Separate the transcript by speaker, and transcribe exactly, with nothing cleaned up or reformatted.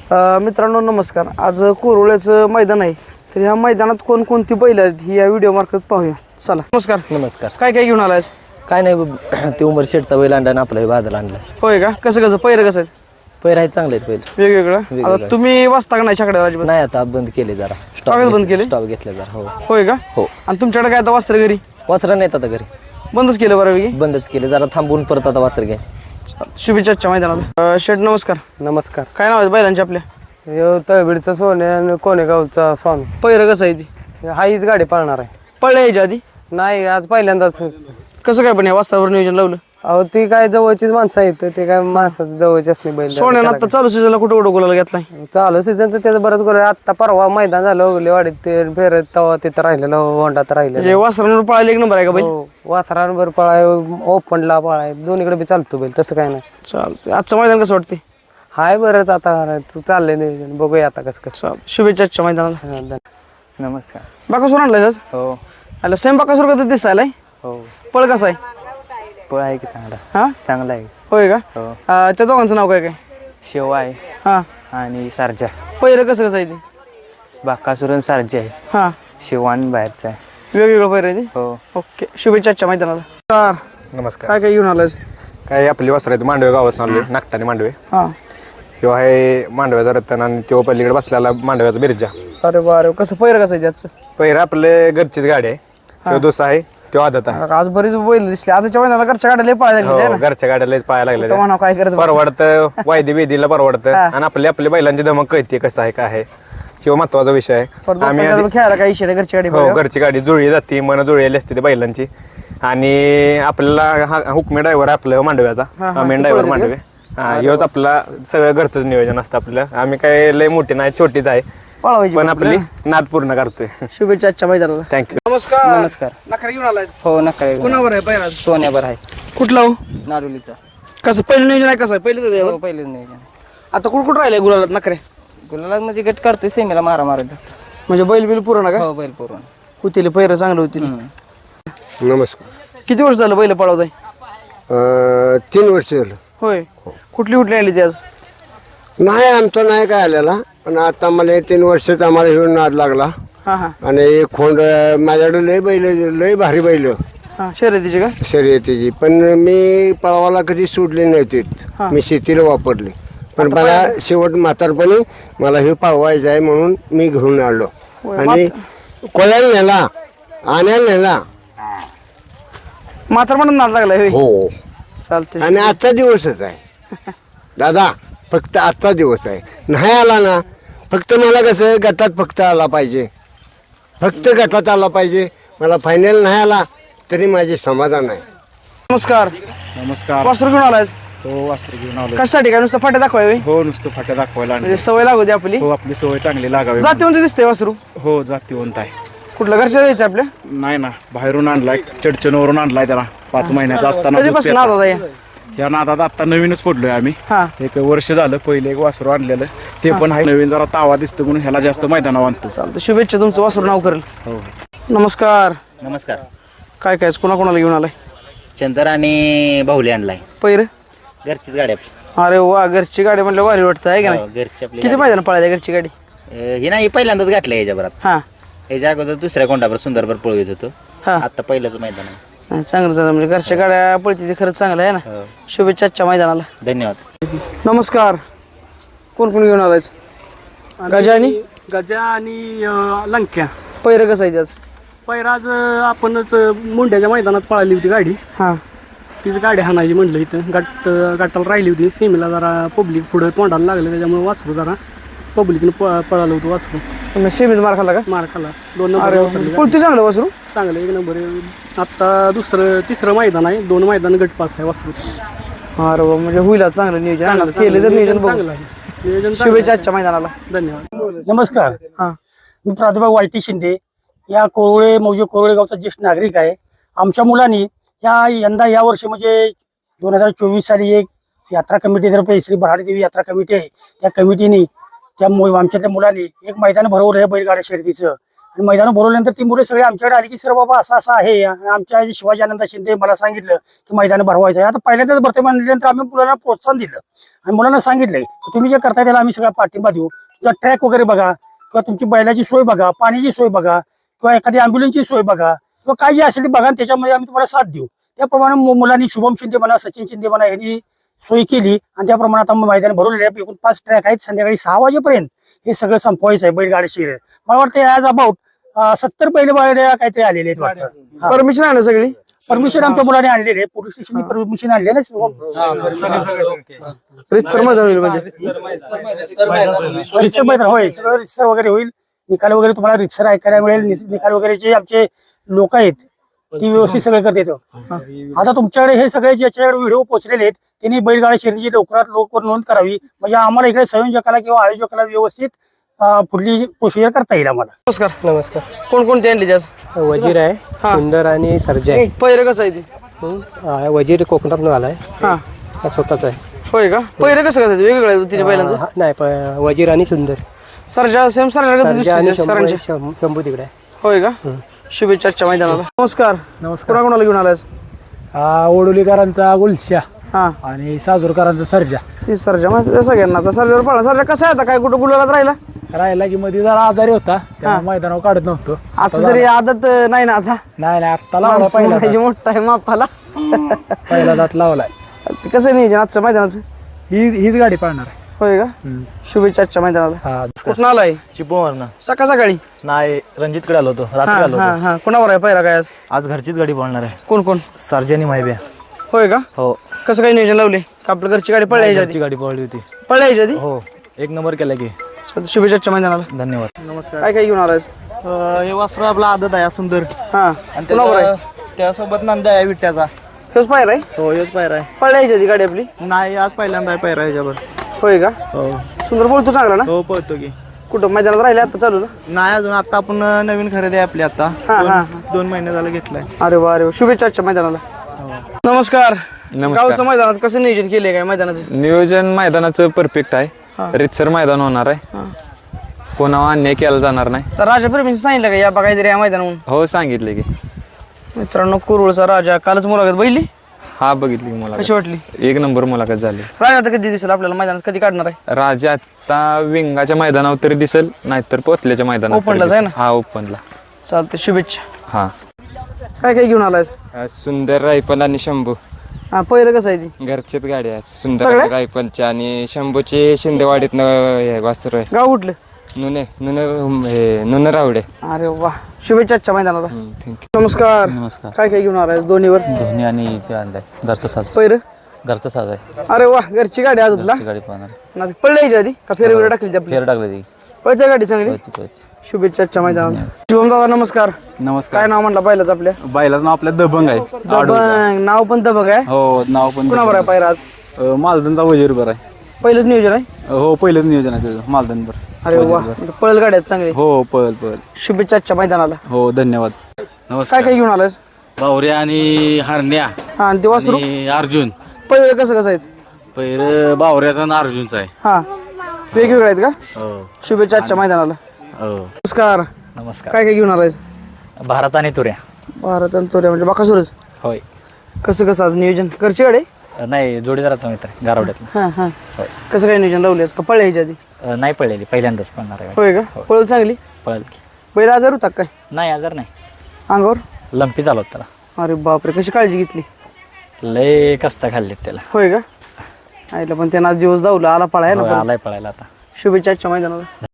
Speaker 1: अ, मित्रांनो नमस्कार. आज कोरोळ्याचं मैदान आहे, तर ह्या मैदानात कोणकोणती बैल आहेत ही या व्हिडिओ मार्फत पाहूया. चला. नमस्कार.
Speaker 2: नमस्कार.
Speaker 1: काय काय घेऊन आलायस?
Speaker 2: काय नाही ते उमर शेटचा बैल आणला आणि आपला बादल आणला.
Speaker 1: होय का? कसं कसं पैर कसं आहेत?
Speaker 2: पैर आहेत चांगले आहेत बैल
Speaker 1: वेगवेगळं. आता तुम्ही वाचता का नाही छकड्याला अजिबात?
Speaker 2: नाही आता बंद केले जरा
Speaker 1: स्टॉक बंद केले?
Speaker 2: स्टॉप घेतले जरा. हो
Speaker 1: होय का?
Speaker 2: हो.
Speaker 1: आणि तुमच्याकडे काय आता वस्त्र घरी
Speaker 2: वासरा नाहीत आता घरी,
Speaker 1: बंदच केलं बऱ्यापैकी?
Speaker 2: बंदच केले जरा थांबून परत आता वासर घ्यायचे.
Speaker 1: शुभेच्छाच्या मैदानाला. शेठ नमस्कार.
Speaker 3: नमस्कार.
Speaker 1: काय नाव आहे बैलांचे आपल्या?
Speaker 3: यो तळबीडचा सोने आणि कोणेगावचा स्वामी.
Speaker 1: पैर कसं आहे ती?
Speaker 3: हा हीच गाडी पाळणार आहे.
Speaker 1: पळल्या यायच्या आधी?
Speaker 3: नाही आज पहिल्यांदाच.
Speaker 1: कसं काय पण या वास्त्रावर नियोजन लावलं?
Speaker 3: अहो ती काय जवळचीच माणसं आहेत, ते काय माणसं जवळचीच नाही बैल.
Speaker 1: सोन्यानं आता चालू सीझनला कुठं कुठं गोलाला घेतलाय?
Speaker 3: चालू सीझनचं त्याचं बरंच गोल आहे. आत्ता परवा मैदान झालं उगले वाडीत ते फेरत तेव्हा तिथं राहिलेलं होंडात
Speaker 1: म्हणजे
Speaker 3: राहिलेलं.
Speaker 1: वासरांवर पळायला एक नंबर आहे का बैल?
Speaker 3: हो वासरांवर पळाय ओपनला पळाय दोन्हीकडे बी चालतो बैल, तसं काय नाही.
Speaker 1: चालतंय. आजचं मैदान कसं वाटते?
Speaker 3: हाय बरंच आता चाललंय नियोजन, बघूया आता कसं कसं.
Speaker 1: शुभेच्छाच्या मैदानाला.
Speaker 3: हा, धन्यवाद.
Speaker 2: नमस्कार.
Speaker 1: बाकासूर आणलाय आज?
Speaker 2: हो
Speaker 1: अरे सेम बाकासूर कसं दिसायलाय?
Speaker 2: हो.
Speaker 1: पळ कसा आहे?
Speaker 2: पळ आहे की चांगला,
Speaker 1: हा
Speaker 2: चांगला आहे.
Speaker 1: होय का?
Speaker 2: हो.
Speaker 1: अं, त्या दोघांचं नाव काय काय?
Speaker 2: शेव आहे
Speaker 1: हा.
Speaker 2: आणि सारजा.
Speaker 1: पहिलं कसं कसं आहे ते?
Speaker 2: बाकासुरन सारजा आहे,
Speaker 1: हा.
Speaker 2: शेवान बाहेरचा आहे.
Speaker 1: वेगवेगळं पहिलं आहे ते?
Speaker 2: हो.
Speaker 1: ओके. शुभेच्छाच्या मैदानाला. नमस्कार.
Speaker 4: नमस्कार.
Speaker 1: काय काय घेऊन आलाय?
Speaker 4: काय आपली वासर आहेत मांडवे गावात आलोय, नागटाने मांडवे.
Speaker 1: हा.
Speaker 4: ह्यो आहे मांडव्याचा रत्न आणि तो पलीकडे बसलेला मांडव्याचा बिरजा.
Speaker 1: अरे बारे, कसं पहिलं कसं आहे त्याचं?
Speaker 4: पहिला आपले घरचीच गाडी आहे, तो दुसरा आहे तो आदत आहे.
Speaker 1: आज बरीच बैल दिसली आजच्या मैदानाला. घरच्या गाड्या लय पळायला
Speaker 4: हो,
Speaker 1: लागली ना?
Speaker 4: घरच्या गाड्याला पाहायला लागले,
Speaker 1: म्हणा काय करत बस.
Speaker 4: परवडतं वायदी बेदीला परवडतं आणि आपल्या आपल्या बैलांची धमक कळते कसं आहे काय आहे, किंवा महत्वाचा विषय आहे. आम्ही आधी-
Speaker 1: खेळायला काही इशे घरची गाडी
Speaker 4: हो
Speaker 1: पळायला.
Speaker 4: घरची गाडी जुळली जाते, मन जुळलेली असते ते बैलांची. आणि आपल्याला हा हुकमे ड्रायव्हर आपलं मांडव्याचा मेन ड्रायव्हर मांडवे. हा ह्योच आपला सगळं घरचंच नियोजन असतं आपलं. आम्ही काय लय मोठी नाही, छोटीच आहे,
Speaker 1: पळवायची
Speaker 4: पण आपली नाद पूर्ण करतोय.
Speaker 1: शुभेच्छाच्या मैदानाला.
Speaker 4: थँक्यू.
Speaker 1: नमस्कार.
Speaker 2: नमस्कार.
Speaker 1: नखरे घेऊन आलाय?
Speaker 2: हो नका.
Speaker 1: कुणावर आहे पहिला?
Speaker 2: सोन्यावर आहे,
Speaker 1: कुठला हो?
Speaker 2: नाडोलीचा.
Speaker 1: कसं पहिलं नियोजन आहे? कसं आहे पहिलं तर
Speaker 2: हो पहिलेच नाही.
Speaker 1: आता कुठं कुठं राहिलंय गुलालात नखरे?
Speaker 2: गुलाला म्हणजे गट करतोय सेमीला मारा मारायचा.
Speaker 1: म्हणजे बैल बिल पुरा का?
Speaker 2: हो बैल पुरून.
Speaker 1: होतील पहिरं चांगलं होतील.
Speaker 5: नमस्कार.
Speaker 1: किती वर्ष झालं बैल पळवताय?
Speaker 5: अं, तीन वर्ष झालं.
Speaker 1: होय. कुठली कुठली आली ती आज?
Speaker 5: नाही आमचा नाही काय आलेला, पण आता मला हे तीन वर्षात आम्हाला घेऊन नाद लागला.
Speaker 1: हा हा
Speaker 5: आणि एक खोंड माझ्याकडे लय बैल, लय भारी बैल
Speaker 1: हा. शर्यतीची का?
Speaker 5: शर्यतीची, पण मी पळवाला कधी सोडले नव्हते. मी शेतीला वापरले, पण मला शेवट म्हातारपणी मला हे पळवायचं आहे म्हणून मी घेऊन आलो. आणि कोल्याला नेला, आण्याला नेला.
Speaker 1: म्हातार म्हणून नाद लागलाय होय?
Speaker 5: हो.
Speaker 1: चालते.
Speaker 5: आणि आजचा दिवसच आहे दादा, फक्त आजचा दिवस आहे. नाही आला ना, फक्त मला कसं गटात फक्त आला पाहिजे, फक्त गटात आला पाहिजे. मला फायनल नाही आला तरी माझे समाधान आहे.
Speaker 1: नमस्कार.
Speaker 6: नमस्कार.
Speaker 1: वासरू घेऊन आलाय?
Speaker 6: हो वासरू घेऊन आलो.
Speaker 1: कशासाठी? काय नुसतं फाट्या दाखवाय होय?
Speaker 6: हो नुसतं फाट्या दाखवायला आणले.
Speaker 1: म्हणजे सवय लागू दे आपली.
Speaker 6: हो आपली सवय चांगली लागावी.
Speaker 1: जाती म्हणजे दिसते वासरू.
Speaker 6: हो जातीवंत आहे.
Speaker 1: कुठलं घरच्या द्यायचं आपल्या?
Speaker 6: नाही ना, बाहेरून आणलाय, चडचणवरून आणलाय त्याला. पाच महिन्याचा असताना दूध
Speaker 1: कधीपासून
Speaker 6: पिता.
Speaker 1: नाद या?
Speaker 6: या नादात आता नवीनच पडलोय आम्ही.
Speaker 1: हा.
Speaker 6: एक वर्ष झालं. पहिले एक वासरू आणलेलं ते पण आहे. नवीन जरा तावा दिसतो म्हणून ह्याला जास्त मैदानावर आणतो.
Speaker 1: चालतं. शुभेच्छा. तुमचं वासरू नाव करेल.
Speaker 6: हो.
Speaker 1: नमस्कार.
Speaker 7: नमस्कार.
Speaker 1: काय काय कोणा कोणाला घेऊन आलाय?
Speaker 7: चंदर आणि बाहुली आणलाय.
Speaker 1: पहिरं?
Speaker 7: घरचीच गाडी आपली.
Speaker 1: अरे वा, घरची गाडी म्हणलं भारी वाटतं आहे का
Speaker 7: हो,
Speaker 1: नाही?
Speaker 7: घरची आपली
Speaker 1: किती
Speaker 7: गाडी.
Speaker 1: मैदान पळायला घरची गाडी?
Speaker 7: अं, ही नाही पहिल्यांदाच घातलं याच्याबरात.
Speaker 1: हा
Speaker 7: याच्या अगोदर दुसऱ्या कोंडावर सुंदरभर पळवीत होतो.
Speaker 1: हा.
Speaker 7: आता पहिलंच मैदान आहे.
Speaker 1: नाही, चांगलं झालं. म्हणजे घरच्या गाड्या पळती ते खरंच चांगलं आहे ना.
Speaker 7: हो.
Speaker 1: शुभेच्छाच्या मैदानाला.
Speaker 7: धन्यवाद.
Speaker 1: नमस्कार. कोण कोण घेऊन आलायच? गजा आणि
Speaker 8: गजा आणि अं, लंक्या.
Speaker 1: पहिरं कसं आहे त्याच?
Speaker 8: पैराज आपणच मुंड्याच्या मैदानात पळाली होती गाडी.
Speaker 1: हा.
Speaker 8: तीच गाडी हाणायची म्हणलं इथं. गट गटाला राहिली होती. सेमीला जरा पब्लिक पुढं तोंडाला लागलं, त्याच्यामुळे वासरू जरा पब्लिकनं प पळालं होतं वासरू.
Speaker 1: तुम्ही सेमीत मार खाल्ला का?
Speaker 8: मार खाला. दोन नंबर उतरले.
Speaker 1: कुठती चांगलं वासरू?
Speaker 8: चांगलं एक नंबर आहे. आत्ता दुसरं तिसरं मैदान आहे. दोन मैदान गट पास आहे वासरू.
Speaker 1: अरे वा, म्हणजे होईल आज चांगलं नियोजन. आज केलं तर नियोजन बघू.
Speaker 8: चांगलं आहे. नियोजन चांगलं आहे.
Speaker 1: शुभेच्छाच्या मैदानाला.
Speaker 8: धन्यवाद.
Speaker 9: नमस्कार.
Speaker 1: हा.
Speaker 9: मी प्राध्यापक वाय टी शिंदे, या कोरळे मौजे कोरळे गावचा ज्येष्ठ नागरिक आहे. आमच्या मुलांनी या यंदा या वर्षी म्हणजे दोन हजार चोवीस साली एक यात्रा कमिटीतर्फे श्री बराडी देवी यात्रा कमिटी आहे, त्या कमिटीने त्या मु आमच्यातल्या मुलांनी एक मैदान भरवलं आहे बैलगाड्या शर्यतीचं. आणि मैदान बोलवल्यानंतर ती मुलं सगळे आमच्याकडे आली की सर बाबा असं असं आहे आणि आमच्या जे शिवाजी आनंद शिंदे मला सांगितलं की मैदान भरवायचं आहे. आता पहिल्यांदाच भरते म्हणल्यानंतर आम्ही मुलांना प्रोत्साहन दिलं आणि मुलांना सांगितलंय की तुम्ही जे करताय त्याला आम्ही सगळा पाठिंबा देऊ. तुझा ट्रॅक वगैरे बघा किंवा तुमची बैलाची सोय बघा, पाण्याची सोय बघा किंवा एखादी ॲम्ब्युलन्सची सोय बघा किंवा काय जे असेल ते बघा आणि त्याच्यामध्ये आम्ही तुम्हाला साथ देऊ. त्याप्रमाणे मु- मुलांनी शुभम शिंदे म्हणा, सचिन शिंदे म्हणा यांनी सोय केली आणि त्याप्रमाणे आता मैदान भरवलेले आहे. एकूण पाच ट्रॅक आहेत. संध्याकाळी सहा वाजेपर्यंत हे सगळं संपवायचं आहे बैलगाडी शर्यत. मला वाटतं ॲज अबाउट सत्तर बैल गाड्या काहीतरी आलेले आहेत वाटतं.
Speaker 1: परमिशन आहे ना सगळी?
Speaker 9: परमिशन आमच्या मुलाने आणलेले आहे. पोलीस स्टेशनची परमिशन आणली ना.
Speaker 1: रितसर मैदान होईल म्हणजे
Speaker 9: रितसर मैदान होईल, सगळं रितसर वगैरे होईल. निकाल वगैरे तुम्हाला रितसर ऐकायला मिळेल. नि- निकाल वगैरे जे आमचे लोक आहेत ती व्यवस्थित सगळं करते. आता तुमच्याकडे हे सगळे ज्याच्याकडे व्हिडिओ पोहोचलेले आहेत त्यांनी बैलगाडी शर्यतीची लवकरात लवकर नोंद करावी म्हणजे आम्हाला इकडे संयोजकाला किंवा आयोजकाला व्यवस्थित अं, पुढली प्रोसिजर करता येईल आम्हाला.
Speaker 1: नमस्कार.
Speaker 3: नमस्कार.
Speaker 1: कोणकोणते आणले आज?
Speaker 3: वजीर आहे, सुंदर आणि सर्जा आहे.
Speaker 1: पहिरं कसं आहे ते?
Speaker 3: हं. वजीर कोकणातून आलाय,
Speaker 1: हा
Speaker 3: हा स्वतःच आहे.
Speaker 1: होय का? पहिरं कसं कसं आहे? वेगवेगळं आहे तिने बैलांचं.
Speaker 3: हा, नाही प- वजीर आणि सुंदर.
Speaker 1: सरजा सेम सरजा
Speaker 3: सर्जा आणि शंभू
Speaker 1: सरांच्या.
Speaker 3: शं- शंभू तिकडे आहे.
Speaker 1: होय का? शुभेच्छा आजच्या मैदानाला. नमस्कार.
Speaker 6: नमस्कार.
Speaker 1: कोणा कोणाला घेऊन आलास?
Speaker 6: हा ओडोलीकरांचा गुलशा
Speaker 1: हा
Speaker 6: आणि साजूरकरांचा सर्जा
Speaker 1: ती सरजा माहिती आहे सगळ्यांना. आता सरजावर पळा. सरजा कसा आहे आता? काय कुठं गुलाबात राहिला?
Speaker 6: राहिला की मध्ये जरा आजारी होता त्यामुळे मैदानावर काढत नव्हतो.
Speaker 1: आता तरी आदत नाही ना आता?
Speaker 6: नाही नाही आत्ता लावला
Speaker 1: माणसं
Speaker 6: पहिला
Speaker 1: म्हणायची मोठा आहे मापाला.
Speaker 6: दात. पहिला दात लावलाय.
Speaker 1: कसं आहे नियोजन आजच्या मैदानाचं?
Speaker 6: ही हीच गाडी पाळणार आहे.
Speaker 1: होय का? शुभेच्छा आजच्या मैदानाला.
Speaker 6: हा
Speaker 1: कुठं आलाय?
Speaker 2: चिपवरनं
Speaker 1: सकाळ सकाळी?
Speaker 2: नाही रणजितकडे आलो होतो,
Speaker 1: हा
Speaker 2: रात्री आलो
Speaker 1: हा
Speaker 2: होतो.
Speaker 1: हा कोणावर आहे पहिला काय आज?
Speaker 2: आज घरचीच गाडी पळणार आहे.
Speaker 1: कोण कोण?
Speaker 2: सर्जनी माहिब्या.
Speaker 1: होय का?
Speaker 2: हो,
Speaker 1: कसं काही नियोजन लावले का? आपल्या घरची गाडी पळायची
Speaker 2: घरची
Speaker 1: आधी?
Speaker 2: गाडी पळली होती.
Speaker 1: पळायची आधी?
Speaker 2: हो, एक नंबर केला की.
Speaker 1: चालतं, शुभेच्छा आजच्या मैदानाला.
Speaker 2: धन्यवाद.
Speaker 1: काय काय घेऊन आलायस?
Speaker 10: हे वासरू आपला आदत आहे सुंदर
Speaker 1: हा
Speaker 10: आणि
Speaker 1: कोणावर आहे?
Speaker 10: त्याच्या- त्यासोबत नंदा आहे विट्याचा.
Speaker 1: हेच पायर आहे?
Speaker 10: हो हेच पायरा आहे.
Speaker 1: पळायची आधी गाडी आपली?
Speaker 10: नाही आज पहिल्यांदा आहे पायरा ह्याच्यावर.
Speaker 1: होय का?
Speaker 10: हो
Speaker 1: सुंदर बोलतो चांगला ना?
Speaker 10: हो पळतो की.
Speaker 1: कुठं मैदानात राहिले आता चालू ना?
Speaker 10: नाही अजून आता आपण नवीन खरेदी आहे आपली आता
Speaker 1: हा हा
Speaker 10: दोन- दोन महिने झालं घेतलाय.
Speaker 1: अरे वा अरे वा. शुभेच्छा आजच्या मैदानाला. नमस्कार. गावचं मैदानात कसं नियोजन केलंय काय मैदानाचं?
Speaker 11: नियोजन मैदानाचं परफेक्ट आहे. रितसर मैदान होणार आहे. कोणावर अन्याय केला जाणार नाही.
Speaker 1: तर राजा प्रेमीने सांगितलं का या बघा काहीतरी या मैदानावरून?
Speaker 11: हो, सांगितले की.
Speaker 1: मित्रांनो कुरुळचा राजा कालच मुलाखत बघितली.
Speaker 11: हा, बघितली की मुलाखत.
Speaker 1: कशी वाटली?
Speaker 11: एक नंबर मुलाखत झाली.
Speaker 1: राजा आता कधी दिसेल आपल्याला मैदानात? कधी काढणार आहे?
Speaker 11: राजा आता विंगाच्या मैदानावर तरी दिसेल, नाहीतर पोतल्याच्या मैदानावर तरी
Speaker 1: ओपनलाच आहे
Speaker 11: दिसेल. हा, ओपनला.
Speaker 1: चालते, शुभेच्छा.
Speaker 11: हा.
Speaker 1: काय काय घेऊन आलायस?
Speaker 12: सुंदर रायफल आणि शंभू
Speaker 1: हा पहिलं कसं आहे ती?
Speaker 12: घरचेच गाडी आहेत. सुंदर
Speaker 1: सगळ्या?
Speaker 12: रायफलची आणि शंभूची शिंदेवाडीत वासरू आहे.
Speaker 1: गाव कुठलं?
Speaker 12: नुने नुने हे नुने रावडे.
Speaker 1: अरे वा. शुभेच्छा आजच्या मैदानाला.
Speaker 12: थँक्यू.
Speaker 1: नमस्कार.
Speaker 2: नमस्कार.
Speaker 1: काय काय घेऊन आलायस दोन्हीवर?
Speaker 2: धोनी आणि ते आणलाय घरचा साज.
Speaker 1: पहिलं?
Speaker 2: घरचा साज आहे.
Speaker 1: अरे वा. घरची गाडी आज तुला?
Speaker 2: गाडी पळणार.
Speaker 1: ना पळायची आधी का फेर वगैरे टाकली ती आपली?
Speaker 2: फेर टाकली ती.
Speaker 1: पळते गाडी चांगली. शुभेच्छा आजच्या मैदानाला. शुभम दादा नमस्कार.
Speaker 6: नमस्कार.
Speaker 1: काय नाव म्हणला बैलाच आपल्या?
Speaker 6: बैलाचं नाव आपल्या दबंग आहे.
Speaker 1: दबंग. नाव पण दबंग आहे.
Speaker 6: हो, नाव पण
Speaker 1: कुणावर आहे पायरा आज?
Speaker 6: मालदनचा वजीर बरं आहे.
Speaker 1: पहिलंच नियोजन आहे?
Speaker 6: हो, पहिलंच नियोजन आहे त्याचं मालदन बरं.
Speaker 1: अरे वा. पळल गाड्यात चांगली.
Speaker 6: हो, पळ पळ.
Speaker 1: शुभेच्छा आजच्या मैदानाला.
Speaker 6: हो, धन्यवाद.
Speaker 1: काय काय घेऊन आलायस?
Speaker 6: बावरे आणि हरण्या
Speaker 1: हा आणि ते वासरू
Speaker 6: अर्जुन.
Speaker 1: पहिलं कसं कसं आहेत?
Speaker 6: पहिलं बावऱ्याचा आणि अर्जुनचा आहे.
Speaker 1: हा वेगवेगळे आहेत का?
Speaker 6: हो
Speaker 1: शुभेच्छा आजच्या मैदानाला.
Speaker 6: हो.
Speaker 1: नमस्कार.
Speaker 2: नमस्कार.
Speaker 1: काय काय घेऊन आलायस?
Speaker 2: भारत आणि तुऱ्या.
Speaker 1: भारत आणि चोऱ्या म्हणजे बाकासुरच.
Speaker 2: होय.
Speaker 1: कसं कसं आज नियोजन? घरची गाडी?
Speaker 2: नाही, जोडीदाराचा मित्र आहे गारवड्यातला.
Speaker 1: हां हां. कसं काय नियोजन लावलेस का पळल्या ह्याच्या आधी?
Speaker 2: अ, नाही पळलेली, पहिल्यांदाच पळणार आहे.
Speaker 1: होय का? पळल चांगली.
Speaker 2: पळल की.
Speaker 1: बैल आजार होता काय
Speaker 2: नाही, आजार नाही.
Speaker 1: अंगावर?
Speaker 2: लंपी झालो त्याला.
Speaker 1: अरे बापरे. कशी काळजी घेतली?
Speaker 2: लय कस्ता खाल्लीत त्याला.
Speaker 1: होय का? आईला पण त्यांना आज दिवस जाऊला आला पळाय
Speaker 2: होय,
Speaker 1: ना.
Speaker 2: आलाय पळायला आता.
Speaker 1: शुभेच्छा आजच्या मैदानाला.